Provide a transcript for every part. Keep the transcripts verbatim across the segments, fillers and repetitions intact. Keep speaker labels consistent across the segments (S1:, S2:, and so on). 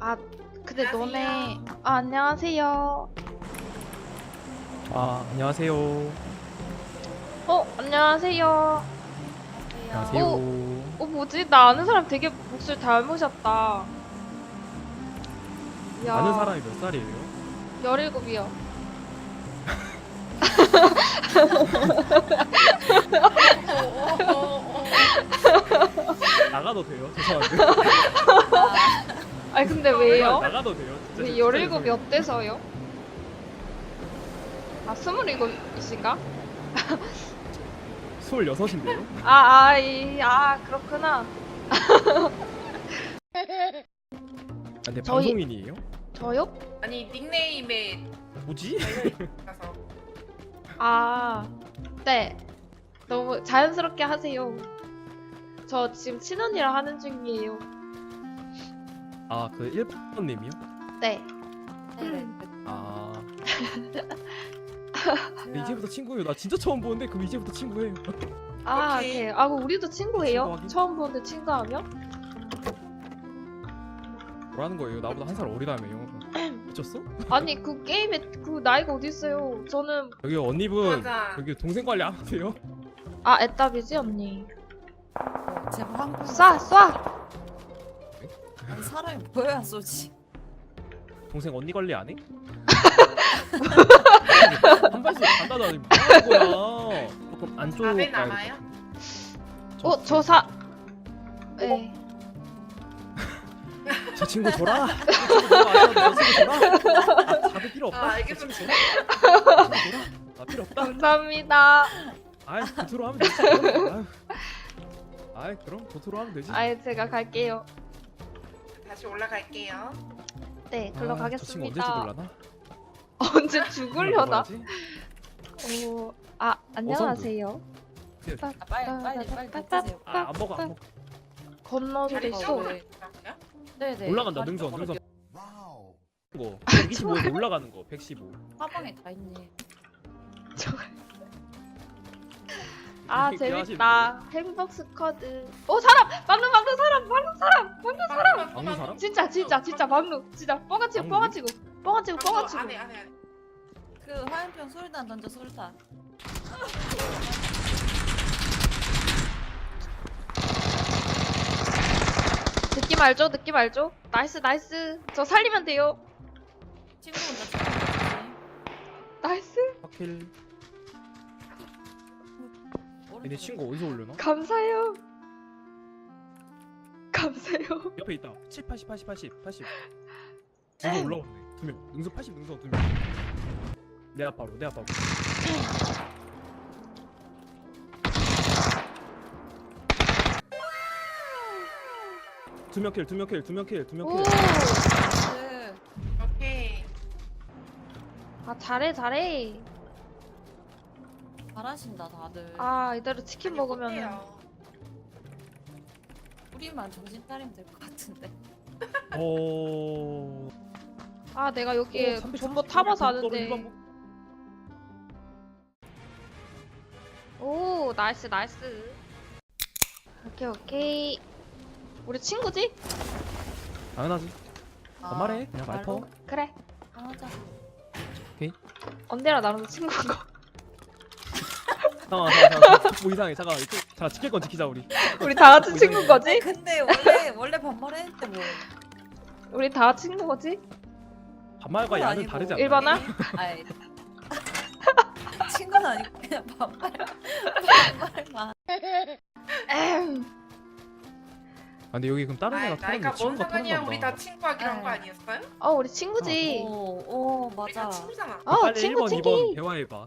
S1: 아, 근데
S2: 안녕하세요.
S1: 너네 아, 안녕하세요.
S3: 아, 안녕하세요.
S1: 어, 안녕하세요.
S3: 안녕하세요.
S1: 어, 뭐지? 나 아는 사람 되게 목소리 닮으셨다. 야,
S3: 아는 사람이 몇 살이에요?
S1: 열일곱이요.
S3: 나가도 돼요? 죄송한데.
S1: 아니 근데 왜요?
S3: 나가도 돼요? 진짜
S1: 왜
S3: 진짜
S1: 열일곱이
S3: 죄송해요.
S1: 어때서요? 아, 스물일곱이신가?
S3: 스물여섯인데요?
S1: 아, 아, 이, 아, 그렇구나.
S3: 아, 근데
S1: 저희-
S3: 방송인이에요?
S1: 저요?
S2: 아니 닉네임에
S3: 뭐지?
S2: 달려있어서
S1: 아, 네. 너무 자연스럽게 하세요. 저 지금 친언니랑 하는 중이에요.
S3: 아, 그 일 번님이요?
S1: 네.
S4: 네네.
S3: 아. 근데 이제부터 친구예요. 나 진짜 처음 보는데 그럼 이제부터 친구예요.
S1: 아,
S2: 오케이.
S1: 오케이. 아, 그럼 우리도 친구예요?
S3: 친구하기?
S1: 처음 보는데 친구하면?
S3: 뭐라는 거예요? 나보다 한 살 어리다며요. 미쳤어?
S1: 아니, 그 게임에 그 나이가 어딨어요. 저는,
S3: 여기 언니분
S2: 맞아.
S3: 여기 동생 관리 안 하세요?
S1: 아, 애답이지, 언니.
S4: 어, 제발 한 번.
S1: 쏴, 쏴!
S4: 아니, 사람이 보여야 쏘지.
S3: 동생 언니 관리 안 해? 한 발씩 간다더니 뭐 하는 거야? 어, 그럼 안쪽
S2: 답에
S3: 가야
S2: 남아요?
S3: 저-
S1: 어, 저 사, 네.
S3: 저 친구 줘라. 저 친구 줘라. 저 친구 줘라. 아, 다들 필요 없다.
S2: 아,
S3: 저
S2: 알겠습니다.
S3: 친구 줘라. 저 친구 줘라. 아, 필요 없다.
S1: 감사합니다.
S3: 아이, 도트로 하면 되지. 아유. 아이, 그럼 도트로 하면 되지.
S1: 아예 제가 갈게요.
S2: 다시 올라갈게요.
S1: 네,
S3: 아,
S1: 글로
S3: 저 친구 언제
S1: 가겠습니다.
S3: 죽을라나?
S1: 언제 죽으려나?
S3: 먹어야지.
S1: 어, 아, 안녕하세요.
S4: 아, 빨리 빨리 빨리 드세요.
S3: 아, 안 먹어, 안 먹어.
S1: 건너서
S2: 다리
S1: 있어.
S2: 쪽
S4: 네.
S2: 올라가고요?
S4: 네네.
S3: 올라간다,
S4: 다리
S3: 능선,
S4: 쪽으로
S3: 능선.
S4: 뛰어-
S3: 거. 백이십오에서 올라가는 거, 백십오.
S4: 사방에 다 있네.
S1: 아,
S3: 되게
S1: 재밌다. 행복 스쿼드. 오, 사람! 막루, 막루, 사람! 막루, 사람! 막루, 사람!
S3: 막는 사람?
S1: 진짜, 진짜, 진짜, 막루. 진짜, 뻥아치고,
S3: 막루?
S1: 뻥아치고. 뻥아치고, 뻥아치고.
S2: 안에 안에 안에.
S4: 그 화염병 술단 던져 술단.
S1: 느낌 알죠? 느낌 알죠? 나이스, 나이스. 저 살리면 돼요.
S4: 친구 혼자 죽었지.
S1: 나이스.
S3: 파킬. 얘네 친구 어디서 올려나?
S1: 감사해요. 감사해요.
S3: 옆에 있다. 칠, 팔십, 팔십, 팔십, 팔십. 능선 올라오네. 두 명. 능선 팔십, 능선 두 명. 내 앞바로, 내 앞바로. 두 명 킬, 두 명 킬, 두 명 킬, 두 명
S1: 오.
S3: 킬.
S4: 네.
S2: 오케이.
S1: 아, 잘해, 잘해.
S4: 잘하신다 다들.
S1: 아, 이대로 치킨
S2: 아니,
S1: 먹으면은.
S2: 못해요.
S4: 우리만 정신 차리면 될 것 같은데.
S3: 어.
S1: 아, 내가 여기에
S3: 어, 삼백삼십
S1: 전부 타봐서
S3: 일반
S1: 아는데.
S3: 뭐-
S1: 오, 나이스, 나이스. 오케이, 오케이. 우리 친구지?
S3: 당연하지.
S4: 아,
S3: 반말해. 그냥
S4: 말로
S3: 말퍼.
S1: 그래.
S4: 하자.
S1: 언제나 나랑 친구인 거.
S3: 잠깐만, 잠깐만, 잠깐만. 뭐 이상해. 잠깐. 자, 지킬 건 지키자 우리.
S1: 우리 다 같이
S3: 뭐
S1: 친구인 거지?
S4: 근데 원래 원래 반말했는데 뭐.
S1: 우리 다 같이 친구인 거지?
S3: 반말과 야는
S4: 아니고.
S3: 다르지 않나?
S1: 일반화?
S4: 아이. 친구는 아니고 그냥 반말. 반말만.
S1: 에휴.
S3: 아, 근데 여기 그럼 다른
S2: 아,
S3: 애가
S2: 나이가
S3: 타는
S2: 뭔
S3: 친구가 타는
S2: 상관이야?
S3: 건가?
S2: 우리 다 친구하기로 한 거
S4: 네.
S2: 아니었어요?
S1: 어, 우리 친구지.
S4: 오, 오
S2: 우리 다
S4: 맞아.
S2: 친구잖아.
S1: 어,
S3: 빨리
S1: 친구,
S3: 일 번,
S1: 친구.
S3: 이 번 대화해봐.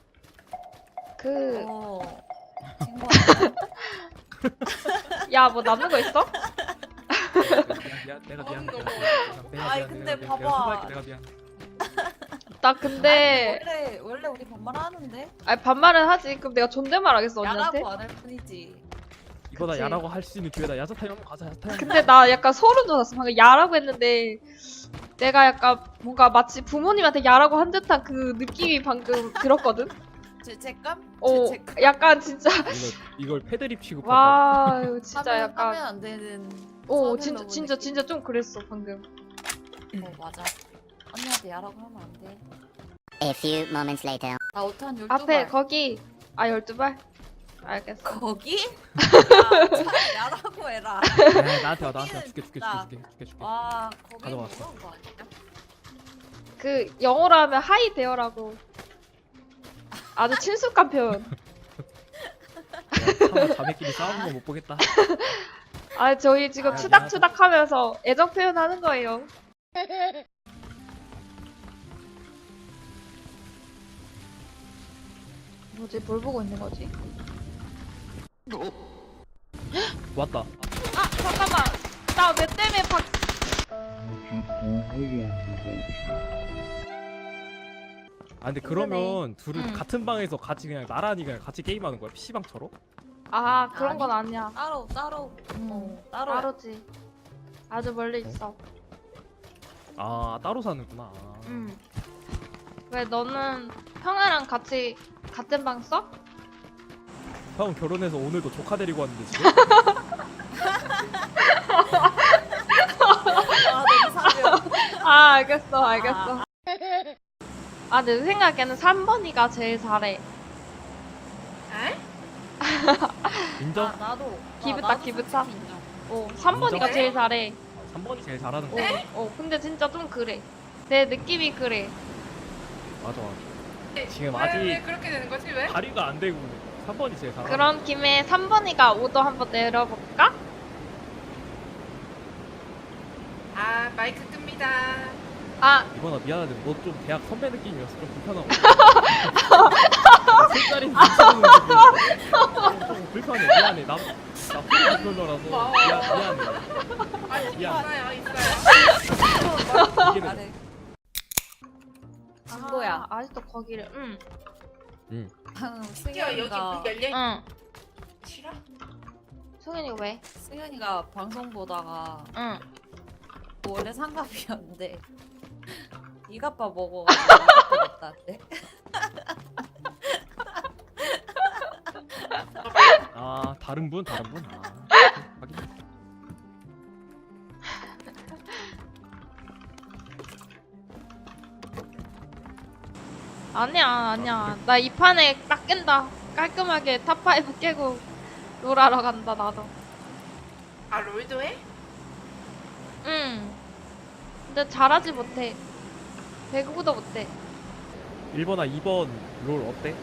S1: 그,
S4: 오. 친구 아니야?
S1: 야, 뭐 남는 거 있어?
S3: 미안, 미안, 내가 미안.
S2: 너무
S3: 내가
S2: 너무.
S3: 미안,
S4: 아이,
S3: 내가
S4: 근데
S3: 미안, 내가
S4: 봐봐.
S3: 내가 수고할게, 내가 미안.
S1: 나 근데,
S4: 원래 원래 우리 반말 하는데
S1: 아니, 반말은 하지. 그럼 내가 존댓말 하겠어, 언니한테?
S4: 야라고 안 할 뿐이지.
S3: 이거다
S1: 그치.
S3: 야라고 할 수 있는 기회다. 야자 타임 한번 가자. 야자 타임.
S1: 근데 나 약간 소름 돋았어. 방금 야라고 했는데, 내가 약간 뭔가 마치 부모님한테 야라고 한 듯한 그 느낌이 방금 들었거든?
S4: 죄책감?
S1: 어,
S4: 죄책감.
S1: 약간 진짜,
S3: 이걸 이걸 패드립 취급하다.
S1: 와, 이거 진짜
S4: 하면,
S1: 약간.
S4: 하면 안 되는.
S1: 오,
S4: 선을
S1: 진짜,
S4: 넘은
S1: 진짜,
S4: 느낌.
S1: 진짜 좀 그랬어, 방금.
S4: 어 맞아. 언니한테 야라고 하면 안 돼.
S5: A few moments later.
S4: 나 오탄 열두
S1: 앞에
S4: 발.
S1: 거기 아 열두 발? 알겠어.
S4: 거기? 야, 차라리 야라고 해라.
S3: 야, 나한테 와 나한테 와 줄게 줄게
S4: 나.
S3: 줄게 줄게 줄게.
S4: 와 거기
S3: 가져왔어.
S4: 무서운 거 아니야?
S1: 그 영어로 하면 하이 데어라고. 아주 친숙한 표현.
S3: 차마 자매끼리 싸우는 거 못 보겠다.
S1: 아 저희 지금
S3: 아,
S1: 추닥추닥 하면서 애정 표현하는 거예요. 뭐지? 뭘 보고 있는 거지?
S3: 왔다.
S1: 아 잠깐만. 나 왜 때문에 박.
S3: 아 근데 그러면 둘은
S1: 응.
S3: 같은 방에서 같이 그냥 나란히 그냥 같이 게임하는 거야? 피시방처럼?
S1: 아 그런
S4: 아니.
S1: 건 아니야.
S4: 따로 따로.
S1: 음,
S4: 어 따로.
S1: 따로지. 아주 멀리 있어.
S3: 아 따로 사는구나.
S1: 응. 왜 너는 형아랑 같이 같은 방 써?
S3: 형 결혼해서 오늘도 조카 데리고 왔는데 지금?
S4: 아 너무 사려.
S1: 아 알겠어 알겠어. 아 내 생각에는 삼 번이가 제일 잘해.
S2: 에?
S3: 인정?
S4: 아, 나도.
S1: 기브타,
S4: 나도
S1: 기브타.
S4: 솔직히 인정.
S1: 어 삼 번이가
S2: 인정해?
S1: 제일 잘해.
S3: 삼 번이 제일 잘하는
S1: 어,
S3: 거야.
S1: 어 근데 진짜 좀 그래. 내 느낌이 그래.
S3: 맞아 맞아.
S2: 네,
S3: 지금
S2: 왜,
S3: 아직-
S2: 왜 그렇게 되는 거지 왜?
S3: 다리가 안 되고 삼 번이 제일 잘하는
S1: 그런 김에 삼 번이가 오더 한번 내려볼까?
S2: 아 마이크 끕니다.
S1: 아
S3: 이번아 미안한데 너 좀 대학 선배 느낌이어서 좀 불편하고 술자리 미치는 느낌 좀 불편해 미안해 나나 프로 불편러라서
S2: 고마워.
S3: 미안, 미안해
S2: 아
S3: 미안.
S2: 있어요 있어요.
S3: 이게
S4: 잘해. 친구야.
S1: 아, 아직도 거기를. 응.
S2: 드디어 여기
S4: 승현이가
S2: 문 열려 있.
S1: 응.
S2: 싫어?
S1: 승현이가 왜?
S4: 승현이가 방송 보다가
S1: 응.
S4: 원래 상갑이었는데 이가빠 먹어가지고 이가빠 됐다는데.
S3: 아 다른 분 다른 분아 확인
S1: 아니야 아니야. 나 이 판에 딱 깬다. 깔끔하게 탑파이브 깨고 롤하러 간다 나도.
S2: 아 롤도 해?
S1: 응. 근데 잘하지 못해. 배구도 못해.
S3: 일 번아 이 번 롤 어때?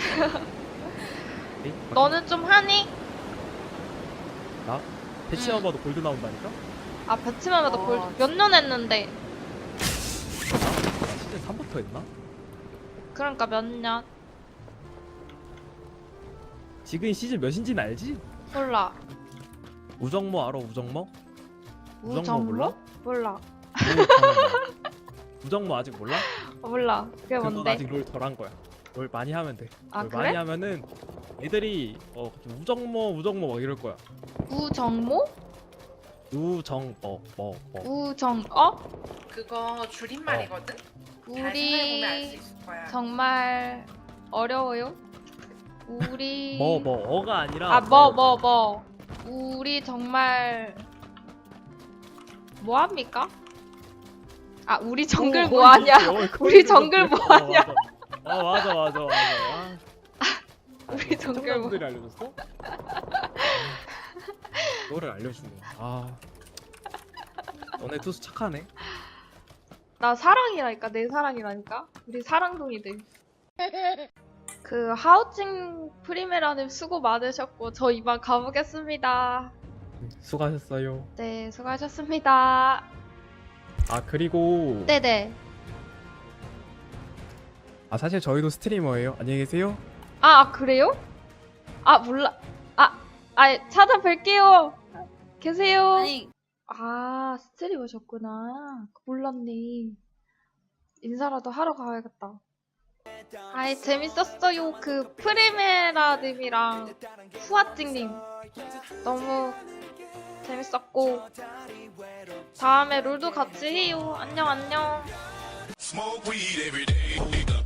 S3: 에이?
S1: 너는 좀 하니?
S3: 나? 배치만
S1: 응.
S3: 봐도 골드 나온다니까?
S1: 아 배치만 해도
S4: 어,
S1: 몇 년 했는데.
S3: 나 시즌 삼부터 했나?
S1: 그러니까 몇 년?
S3: 지금 시즌 몇인지는 알지?
S1: 몰라.
S3: 우정모 알아 우정모? 우정모
S1: 우정모?
S3: 몰라?
S1: 몰라.
S3: 우정모. 우정모 아직 몰라?
S1: 어, 몰라. 그게
S3: 그건
S1: 뭔데?
S3: 아직 롤 덜 한 거야. 롤 많이 하면 돼.
S1: 아
S3: 롤
S1: 그래?
S3: 많이 하면은 애들이 어 우정모 우정모 막 이럴 거야.
S1: 우정모?
S3: 우정모 뭐 뭐.
S1: 우정어?
S2: 그거 줄임말이거든. 잘 생각해보면 알 수
S1: 우리
S2: 있을 거야.
S1: 정말 어려워요. 우리
S3: 뭐 뭐 어가 아니라
S1: 아 뭐 뭐 뭐. 우리 정말 뭐 합니까? 아 우리 정글 뭐 하냐? 우리 정글 뭐 하냐?
S3: 아 맞아 맞아 맞아. 아.
S1: 우리 정글 뭐
S3: 시청자분들이 알려줬어? 너를 알려주네. 아. 너네 투수 착하네.
S1: 나 사랑이라니까 내 사랑이라니까 우리 사랑둥이들. 그 하우징 프리메라님 수고 많으셨고 저 이만 가보겠습니다.
S3: 수고하셨어요.
S1: 네 수고하셨습니다.
S3: 아 그리고
S1: 네네.
S3: 아 사실 저희도 스트리머예요. 안녕히 계세요.
S1: 아, 아 그래요? 아 몰라. 아, 아 찾아뵐게요. 계세요.
S4: 아니
S1: 아 스트리머셨구나. 몰랐네. 인사라도 하러 가야겠다. 아이 재밌었어요. 그 프리메라님이랑 후아찡님 너무 재밌었고 다음에 롤도 같이 해요. 안녕 안녕.
S6: Smoke weed every day.